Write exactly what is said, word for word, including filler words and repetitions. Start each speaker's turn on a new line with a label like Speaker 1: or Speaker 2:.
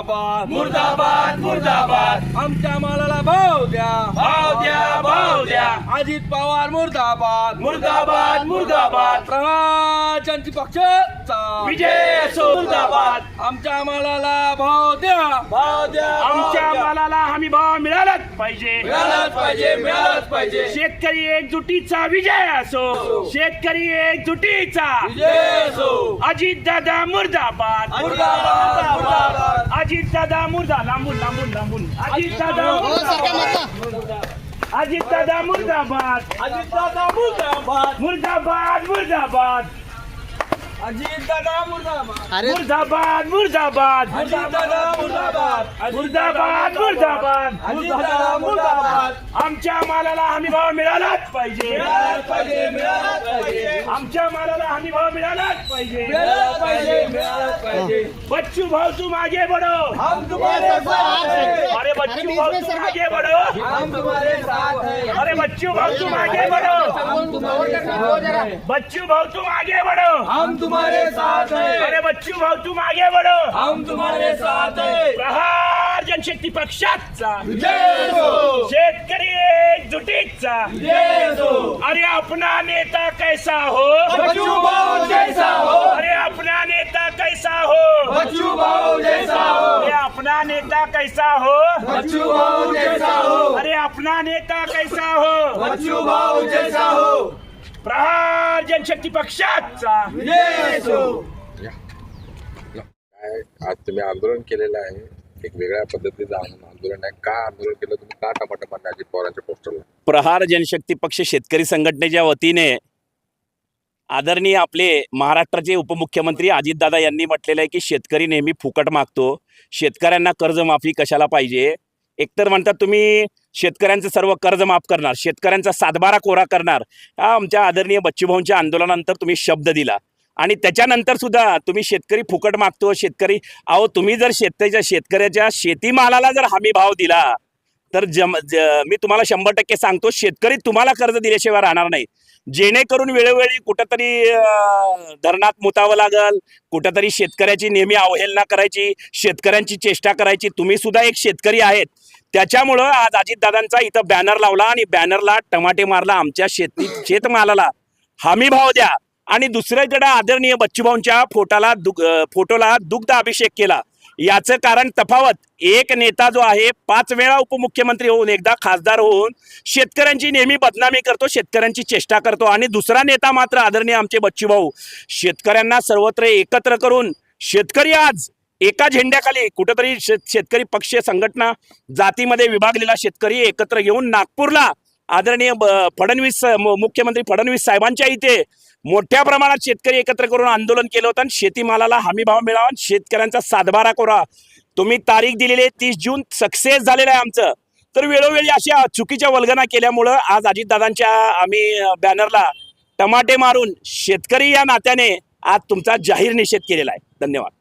Speaker 1: मुर्दाबाद
Speaker 2: मुर्दाबाद मुर्दाबाद
Speaker 1: आमच्या मालाला भाव द्या
Speaker 2: भाव द्या भाव द्या
Speaker 1: अजित पवार मुर्दाबाद
Speaker 2: मुर्दाबाद मुर्दाबाद
Speaker 1: प्रवाशांची पक्षाचा
Speaker 2: विजय असो मुर्दाबाद
Speaker 1: आमच्या मालाला भाव द्या
Speaker 2: भाव द्या
Speaker 3: आमच्या मालाला हमी भाव मिळालाच पाहिजे
Speaker 2: मिळालाच पाहिजे मिळालाच पाहिजे
Speaker 3: शेतकरी एकजुटीचा विजय असो शेतकरी एकजुटीचा
Speaker 2: विजय असो
Speaker 3: अजित दादा मुर्दाबाद
Speaker 2: मुर्दाबाद मुर्दाबाद
Speaker 3: अजित दादा मुर्दा लांबून लांबून लांबून अजित दादा अजित दादा मुर्दाबाद
Speaker 2: अजित दादा मुर्दाबाद
Speaker 3: मुर्दाबाद मुर्दाबाद
Speaker 1: अजित दादा मुर्दाबाद
Speaker 3: मुर्दाबाद मुर्दाबाद
Speaker 2: अजित दादा मुर्दाबाद
Speaker 3: मुर्दाबाद मुर्दाबाद
Speaker 2: अजित दादा मुर्दाबाद
Speaker 3: आमच्या मालाला हमी भाव मिळालाच पाहिजे
Speaker 2: मिळालाच पाहिजे मिळालाच पाहिजे
Speaker 3: आमच्या मालाला हमी भाव मिळालाच पाहिजे
Speaker 2: मिळालाच पाहिजे मिळालाच पाहिजे
Speaker 3: बच्चू भाऊ तुम आगे बढ़ो
Speaker 2: हम तुम्हारे साथ हैं
Speaker 3: अरे बच्चू भाऊ तुम आगे बढ़ो
Speaker 2: हम तुम्हारे साथ हैं
Speaker 3: अरे बच्चू भाऊ तुम आगे बढ़ो
Speaker 2: हम तुम्हारे साथ हैं
Speaker 3: बच्चू भाऊ तुम आगे बढ़ो
Speaker 2: हम तुम्हारे साथ हैं
Speaker 3: अरे बच्चू भाऊ तुम आगे बढ़ो
Speaker 2: हम तुम्हारे साथ हैं
Speaker 3: प्रहार जनशक्ती पक्षाचा
Speaker 2: विजय असो
Speaker 3: शेतकरी एकजुटीचा
Speaker 2: विजय असो
Speaker 3: अरे अपना नेता कैसा हो
Speaker 2: बच्चू भाऊ जैसा हो
Speaker 3: अरे अपना नेता कैसा हो
Speaker 2: बच्चू भाऊ जैसा हो
Speaker 3: अरे अपना नेता कैसा हो
Speaker 2: बच्चू भाऊ जैसा हो
Speaker 3: अरे अपना नेता कैसा हो
Speaker 2: बच्चू भाऊ जैसा हो
Speaker 3: प्रहार जनशक्ती पक्षाचा
Speaker 2: विजय असो
Speaker 4: काय आज तुम्ही आंदोलन केलेलं आहे, एक वेगळ्या पद्धतीचं आंदोलन आहे. का आंदोलन केलं तुम्ही? का टमाटर मारले अजित पवारांच्या पोस्टरला?
Speaker 5: प्रहार जनशक्ती पक्ष शेतकरी संघटनेच्या वतीने आदरणीय आपले महाराष्ट्राचे उपमुख्यमंत्री अजितदादा यांनी म्हटलेलं आहे की शेतकरी नेहमी फुकट मागतो, शेतकऱ्यांना कर्जमाफी कशाला पाहिजे. एकतर म्हणतात तुम्ही शेतकऱ्यांचं सर्व कर्ज माफ करणार, शेतकऱ्यांचा सातबारा कोरा करणार. हा आमच्या आदरणीय बच्चूभाऊंच्या आंदोलनानंतर तुम्ही शब्द दिला आणि त्याच्यानंतर सुद्धा तुम्ही शेतकरी फुकट मागतो. शेतकरी अहो तुम्ही जर शेतकऱ्याच्या शेतकऱ्याच्या शेतीमालाला जर हमी भाव दिला तर जम ज मी तुम्हाला शंभर टक्के सांगतो शेतकरी तुम्हाला कर्ज दिल्याशिवाय राहणार नाही. जेणेकरून वेळोवेळी कुठंतरी धरणात मुतावं लागल, कुठंतरी शेतकऱ्याची नेहमी अवहेलना करायची, शेतकऱ्यांची चेष्टा करायची. तुम्ही सुद्धा एक शेतकरी आहेत, त्याच्यामुळं आज अजितदादांचा इथं बॅनर लावला आणि बॅनरला टमाटे मारला. आमच्या शेती शेतमालाला हमी भाव द्या आणि दुसऱ्याकडे आदरणीय बच्चूभाऊंच्या फोटाला दुग फोटोला दुग्ध अभिषेक केला. याचं कारण तफावत, एक नेता जो आहे पाच वेळा उपमुख्यमंत्री होऊन एकदा खासदार होऊन शेतकऱ्यांची नेहमी बदनामी करतो, शेतकऱ्यांची चेष्टा करतो आणि दुसरा नेता मात्र आदरणीय आमचे बच्चूभाऊ शेतकऱ्यांना सर्वत्र एकत्र करून शेतकरी आज एका झेंड्याखाली कुठेतरी शेतकरी पक्ष संघटना जातीमध्ये विभागलेला शेतकरी एकत्र घेऊन नागपूरला आदरणीय फडणवीस मुख्यमंत्री फडणवीस साहेबांच्या इथे मोठ्या प्रमाणात शेतकरी एकत्र करून आंदोलन केलं होतं आणि शेतीमालाला हमी भाव मिळावा, शेतकऱ्यांचा सातबारा कोरा. तुम्ही तारीख दिलेली आहे तीस जून, सक्सेस झालेलं आहे आमचं. तर वेळोवेळी अशा चुकीच्या वल्गना केल्यामुळं आज अजितदादांच्या आम्ही बॅनरला टमाटे मारून शेतकरी या नात्याने आज तुमचा जाहीर निषेध केलेला आहे. धन्यवाद.